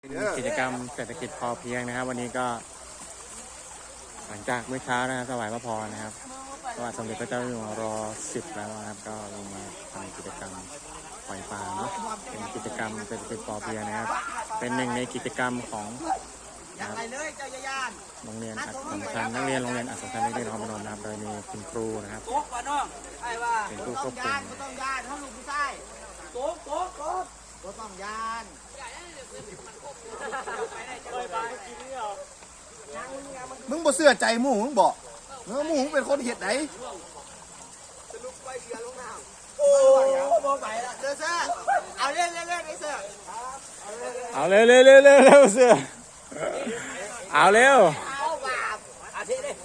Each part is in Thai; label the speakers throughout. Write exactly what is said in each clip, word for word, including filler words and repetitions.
Speaker 1: กิจกรรมเศรษฐกิจพอเพียงนะครับวันนี้ก็หลังจากเมื่อเช้านะครับถวายพระพรนะครับพระบาทสมเด็จพระเจ้าอยู่หัวรอสิบแล้วนะครับก็ลงมาทำกิจกรรมปล่อยปลาเนาะเป็นกิจกรรมเศรษฐกิจพอเพียงนะครับเป็นหนึ่งในกิจกรรมของโรงเรียนอัศสัมชัญนักเรียนโรงเรียนอัศสัมชัญนักเรียนนครพนมนะครับโดยมีคุณครูนะครับเป็นผู้ควบคุม
Speaker 2: ต้องยานเขาลูกผู้ชายโก๊กโก๊กโก๊กก็ต้องยานมึงบ่เสื้อใจหมูมึงบอกเนื้อหมูมึงเป็นคนเห็ดไหนโอ้บ่ไปละเสื้อเสื้อเอาเล่นเล่นเล่นไอ้เสื้อ
Speaker 1: เอาเร็วเร็วเร็วเร็วเร็วเสื้อเอาเร็ว
Speaker 2: เอาแบบอาทิตย์ดิ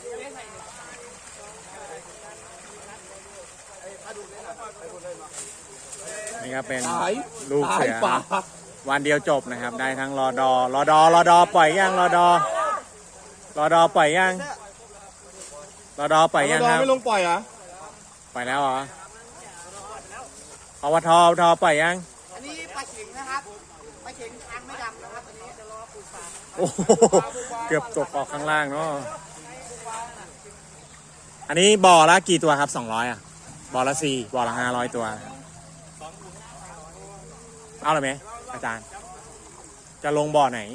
Speaker 1: นี่ครับเป็นลูกเสือวันเดียวจบนะครับได้ทั้งรอดอรอดอรอดอปล่อยยังรอดอรอดอปล่อยยังรอดอปล่อยยังครับ
Speaker 2: ไม่ลงปล่อยเหรอ
Speaker 1: ปล่อยแล้วเหรออวทอทอปล่อยยัง
Speaker 2: อันนี้ปลาเข็งนะครับปลาเข็งทางไม่ดำนะครับอันนี้จะรอปูปลา
Speaker 1: โอ้เกือบตกออกข้างล่างเนาะอันนี้บ่อละกี่ตัวครับสองร้อยอ่ะบ่อละสี่บ่อละห้าร้อยตัวเอาเลยไหมอาจารย์จะลงบ่อไหน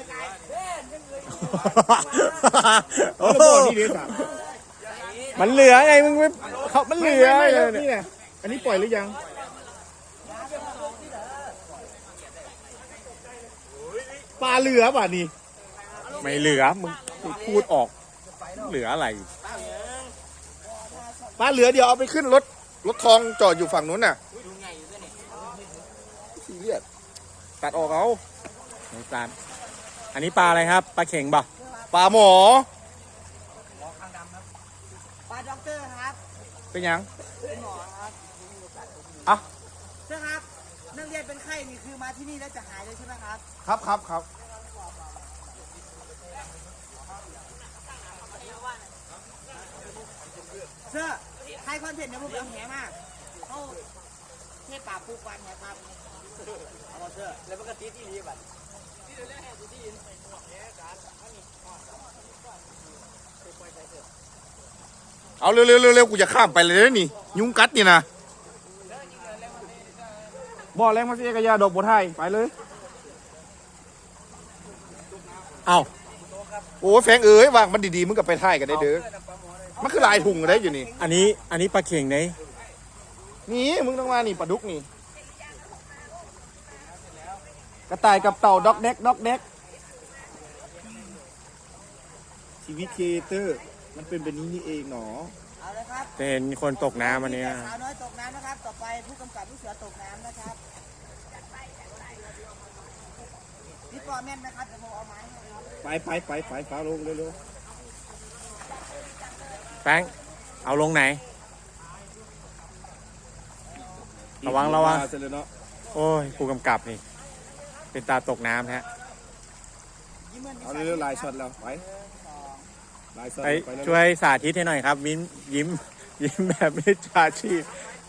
Speaker 1: โอ้มันเหลือไงมึงไม่เขามันเหลือ
Speaker 2: นี่แหละอันนี้ปล่อยหรือยังปลาเหลือป่ะนี่
Speaker 1: ไม่เหลือมึงพูดออกเหลืออะไร
Speaker 2: ปลาเหลือเดี๋ยวเอาไปขึ้นรถรถทองจอดอยู่ฝั่งนู้นน่ะซีเรียสตัดออกเอา
Speaker 1: ตัดอันนี้ปลาอะไรครับปลาเข่งบ่
Speaker 2: ปลาหมอปลาด็อกเตอร์ครับ
Speaker 1: เป็นยัง
Speaker 2: เป็นหมอครับ
Speaker 1: อ่ะ
Speaker 2: ใช่ครับนักเรียนเป็นไข้นี่คือมาที่นี่แล้วจะหายเลยใช่ไหมครับ
Speaker 1: ครับครับครับ
Speaker 2: เสื้อใครคอนเทนต์เนี่ยพวกเราแหมากเขาเทปปลาปูกวันแหปลาเอาเสื้อแล้วมันก็ตีที่นี่บัด
Speaker 1: เอาเร็วเร็วเร็วกูจะข้ามไปเลยนี่ยุงกัดนี่นะ
Speaker 2: บ่อแรงมาเสียกระยาดอกบัวไทยไปเลย
Speaker 1: เอา
Speaker 2: โอ้แฟงเอ๋ยวางมันดีๆมึงกับไปไทยกันได้เด้อมันคือลายถุงได้อยู่นี่
Speaker 1: อันนี้อันนี้ปลาเข่งไหน
Speaker 2: นี่มึงต้องมานี่ปลาดุกนี่กระต่ายกับเต่าด็อกเด็กด็อกเด็กชีวิตครีเอเตอร์มันเป็นแบบนี้นี่เองหนอเอาเลยครับ
Speaker 1: จะเห็นคนตกน้ำอันนี้
Speaker 2: สาวน้อยตกน้ำนะครับต่อไปผู้กำกับผู้เสือตกน้ำนะครับนี่ปลอมแม่นนะครับจะโมเอาไม้ไปไปไปไปฟ้าลงเร็ว
Speaker 1: ๆแป้งเอาลงไหนระวังระวังโอ้ยผู้กำกับนี่เป็นตาตกน้ำฮะ
Speaker 2: เอาเร็วๆลายช็อตแล้วไป
Speaker 1: ไปช่วยสาธิตให้หน่อยครับยิ้มยิ้มยิ้มแบบไม่จาชีพ